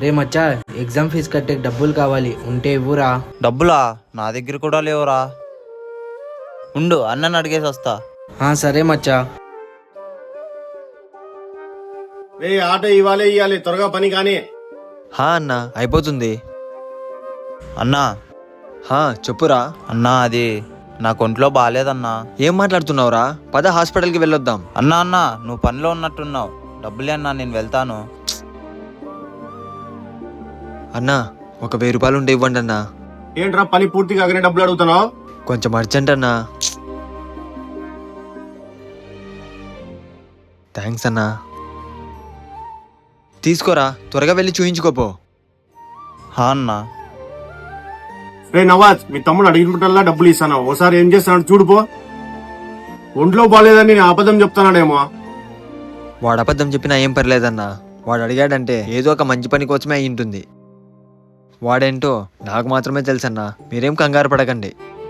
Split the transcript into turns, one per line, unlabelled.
రే మచ్చా, exam fee కట్టే డబ్బులు కావాలి, ఉంటే ఇవ్వురా.
డబ్బులా? నా దగ్గర కూడా లేవురా. ఉండు, అన్నని అడిగేసి వస్తా.
సరే మచ్చా.
రే ఆటో ఇవ్వాలి త్వరగా పని కానీ.
అన్నా అయిపోతుంది.
అన్నా
చెప్పురా.
అన్నా అది నాకు ఒంట్లో బాగాలేదన్నా.
ఏం మాట్లాడుతున్నావురా? పద హాస్పిటల్కి వెళ్ళొద్దాం.
అన్నా నువ్వు పనిలో ఉన్నట్టున్నావు. డబ్బులే అన్నా, నేను వెళ్తాను.
అన్నా ఒక 1000 రూపాయలు ఉంటే ఇవ్వండి అన్నా.
ఏంట్రా పని పూర్తి కాగానే డబ్బులు అడుగుతున్నావు?
కొంచెం అర్జెంట్ అన్నా. థ్యాంక్స్ అన్నా. తీసుకోరా, త్వరగా వెళ్ళి చూయించుకోపో.
అన్నా.
రే నవాజ్, మీ తమ్ముడు అడిగినప్పుడల్లా డబ్బులు ఇస్తాను, ఓసారి ఏం చేస్తాడు చూడుపో. ఒంట్లో బాగాలేదని నేను అబద్ధం చెప్తానాడేమో.
వాడు అబద్ధం చెప్పినా ఏం పర్లేదన్నా. వాడు అడిగాడంటే ఏదో ఒక మంచి పని కోసమే అయి ఉంటుంది. వాడేంటో నాకు మాత్రమే తెలుసన్నా. మీరేం కంగారు పడకండి.